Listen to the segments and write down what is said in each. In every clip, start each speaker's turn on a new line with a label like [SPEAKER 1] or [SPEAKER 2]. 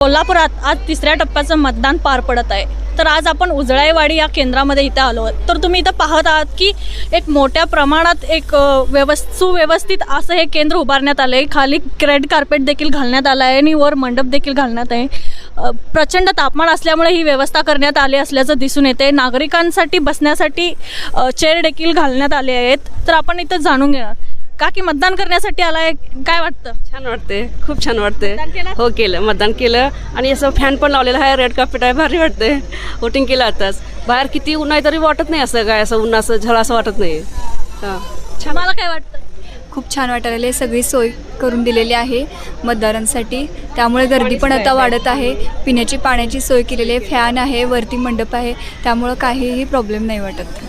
[SPEAKER 1] कोल्हापुरात आज तिसऱ्या टप्प्याचं मतदान पार पडत आहे। तर आज आपण उजळाईवाडी या केंद्रामध्ये इथे आलो आहोत। तर तुम्ही इथं पाहत आहात की एक मोठ्या प्रमाणात एक सुव्यवस्थित असं हे केंद्र उभारण्यात आलं आहे। खाली रेड कार्पेट देखील घालण्यात आलं आहे आणि वर मंडप देखील घालण्यात आहे। प्रचंड तापमान असल्यामुळे ही व्यवस्था करण्यात आली असल्याचं दिसून येते। नागरिकांसाठी बसण्यासाठी चेअर देखील घालण्यात आले आहेत। तर आपण इथं जाणून घेणार का की मतदान करण्यासाठी आलाय, काय वाटतं?
[SPEAKER 2] छान वाटते, खूप छान वाटते। हो केलं, मतदान केलं आणि असं फॅन पण लावलेला आहे, रेड कार्पेट आहे, भारी वाटते। वोटिंग केलं आताच। बाहेर किती ऊन आहे तरी वाटत नाही असं काय असं ऊन असं झळा असं वाटत नाही। हां,
[SPEAKER 1] मला काय वाटतं?
[SPEAKER 3] खूप छान वाटायला आहे। सगळी सोय करून दिलेली आहे मतदारांसाठी, त्यामुळे गर्दी पण आता वाढत आहे। पिण्याची पाण्याची सोय केलेली आहे, फॅन आहे, वरती मंडप आहे, त्यामुळं काहीही प्रॉब्लेम नाही वाटत।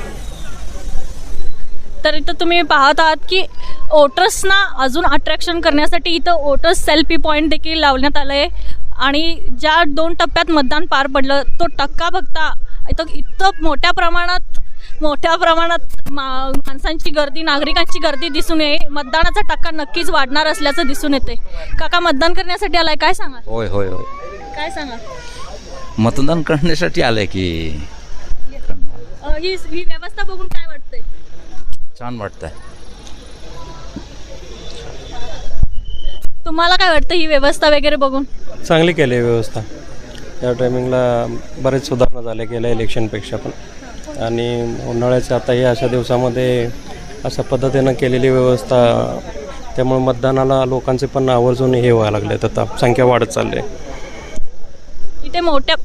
[SPEAKER 1] तर इथं तुम्ही पाहत आहात की वोटर्सना अजून अट्रॅक्शन करण्यासाठी इथं वोटर्स सेल्फी पॉईंट देखील लावण्यात आलं आहे। आणि ज्या 2 टप्प्यात मतदान पार पडलं तो टक्का बघता इथं मोठ्या प्रमाणात माणसांची गर्दी, नागरिकांची गर्दी दिसून येते। मतदानाचा टक्का नक्कीच वाढणार असल्याचं दिसून येते। काका मतदान करण्यासाठी आलाय, काय सांगा?
[SPEAKER 4] होय होय होय,
[SPEAKER 1] काय सांगा?
[SPEAKER 4] मतदान करण्यासाठी आलंय की
[SPEAKER 1] ही व्यवस्था बघून काय वाटतंय?
[SPEAKER 4] छान वाटतंय।
[SPEAKER 1] तुम्हाला काय वाटतं ही व्यवस्था वगैरे बघून?
[SPEAKER 5] चांगली केली आहे व्यवस्था। या टायमिंगला बरेच सुधारणा झाल्या गेल्या इलेक्शनपेक्षा पण, आणि उन्हाळ्याच्या आता या अशा दिवसामध्ये अशा पद्धतीनं केलेली व्यवस्था, त्यामुळे मतदानाला लोकांचे पण आवर्जून हे व्हायला लागले, आता संख्या वाढत चालली आहे।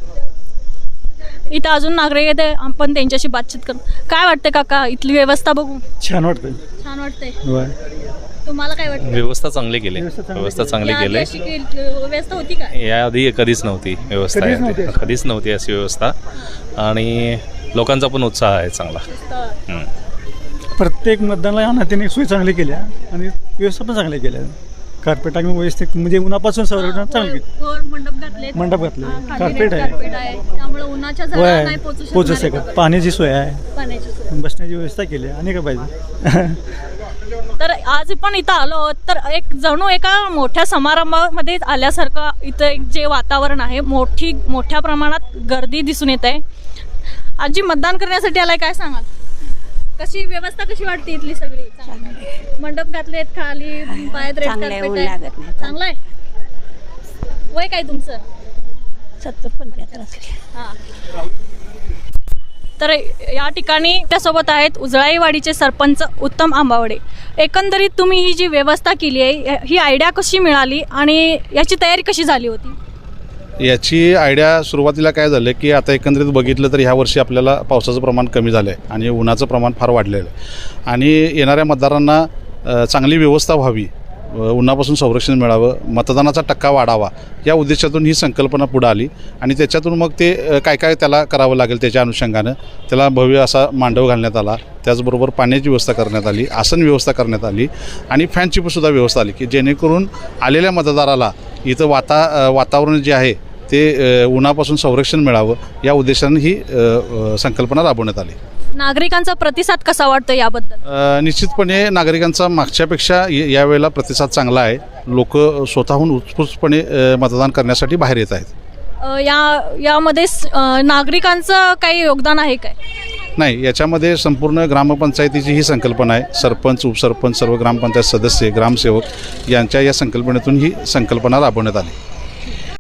[SPEAKER 1] इथं अजून नागरिक येते, आपण त्यांच्याशी बातचीत करू। काय वाटतं काका इथली व्यवस्था बघून?
[SPEAKER 5] छान वाटतं।
[SPEAKER 1] छान वाटतंय। तुम्हाला काय वाटतं?
[SPEAKER 6] व्यवस्था चांगली केली, व्यवस्था चांगली केली।
[SPEAKER 1] व्यवस्था होती का
[SPEAKER 6] याआधी कधीच नव्हती व्यवस्था, कधीच नव्हती अशी व्यवस्था, आणि लोकांचा पण उत्साह आहे चांगला।
[SPEAKER 7] प्रत्येक मतदानाला या नात्याने सोय चांगली केल्या आणि व्यवस्था पण चांगली केल्या। कार्पेट आम्ही व्यवस्थित म्हणजे उन्हापासून संरक्षण चांगली केली। मंडप घातले, कार्पेट आहे,
[SPEAKER 1] त्यामुळे उन्हाच्या झळा नाही
[SPEAKER 7] पोचू शकत। पाण्याची सोय आहे, बसण्याची व्यवस्था केली आणि काय पाहिजे।
[SPEAKER 1] तर आज पण इथं आलो तर एक जणू एका मोठ्या समारंभामध्ये आल्यासारखं इथं एक जे वातावरण आहे, मोठ्या प्रमाणात गर्दी दिसून येत आहे। आजी मतदान करण्यासाठी आलाय, काय सांगाल? कशी व्यवस्था कशी वाटते इथली सगळी? मंडप घातलेत, खाली पायात रेड कार्पेट आहे, चांगलं आहे। वय काय तुमचं?
[SPEAKER 8] 70-75.
[SPEAKER 1] हां। तर या ठिकाणी त्यासोबत आहेत उजळाईवाडीचे सरपंच उत्तम आंबावडे। एकंदरीत तुम्ही ही जी व्यवस्था केली आहे, ही आयडिया कशी मिळाली आणि याची तयारी कशी झाली होती?
[SPEAKER 9] याची आयडिया सुरुवातीला काय झालं की आता एकंदरीत बघितलं तर ह्या वर्षी आपल्याला पावसाचं प्रमाण कमी झालं आहे आणि उन्हाचं प्रमाण फार वाढलेलं आहे, आणि येणाऱ्या मतदारांना चांगली व्यवस्था व्हावी, उन्हापासून संरक्षण मिळावं, मतदानाचा टक्का वाढावा, या उद्देशातून ही संकल्पना पुढे आली। आणि त्याच्यातून मग ते काय काय त्याला करावं लागेल त्याच्या अनुषंगानं त्याला भव्य असा मांडव घालण्यात आला। त्याचबरोबर पाण्याची व्यवस्था करण्यात आली, आसन व्यवस्था करण्यात आली, आणि फॅनची सुद्धा व्यवस्था आली की जेणेकरून आलेल्या मतदाराला इथं वातावरण जे आहे ते उन्हापासून संरक्षण मिळावं, या उद्देशाने ही संकल्पना राबवण्यात आली।
[SPEAKER 1] नागरिकांचा प्रतिसाद कसा वाटतो याबद्दल?
[SPEAKER 9] निश्चितपणे नागरिकांचा मागच्यापेक्षा यावेळेला प्रतिसाद चांगला आहे। लोक स्वतःहून उत्स्फूर्तपणे मतदान करण्यासाठी बाहेर येत आहेत।
[SPEAKER 1] यामध्ये नागरिकांचं काही योगदान आहे काय?
[SPEAKER 9] नाही, याच्यामध्ये संपूर्ण ग्रामपंचायतीची ही संकल्पना आहे। सरपंच, उपसरपंच, सर्व ग्रामपंचायत सदस्य, ग्रामसेवक यांच्या या संकल्पनेतून ही संकल्पना राबवण्यात आली।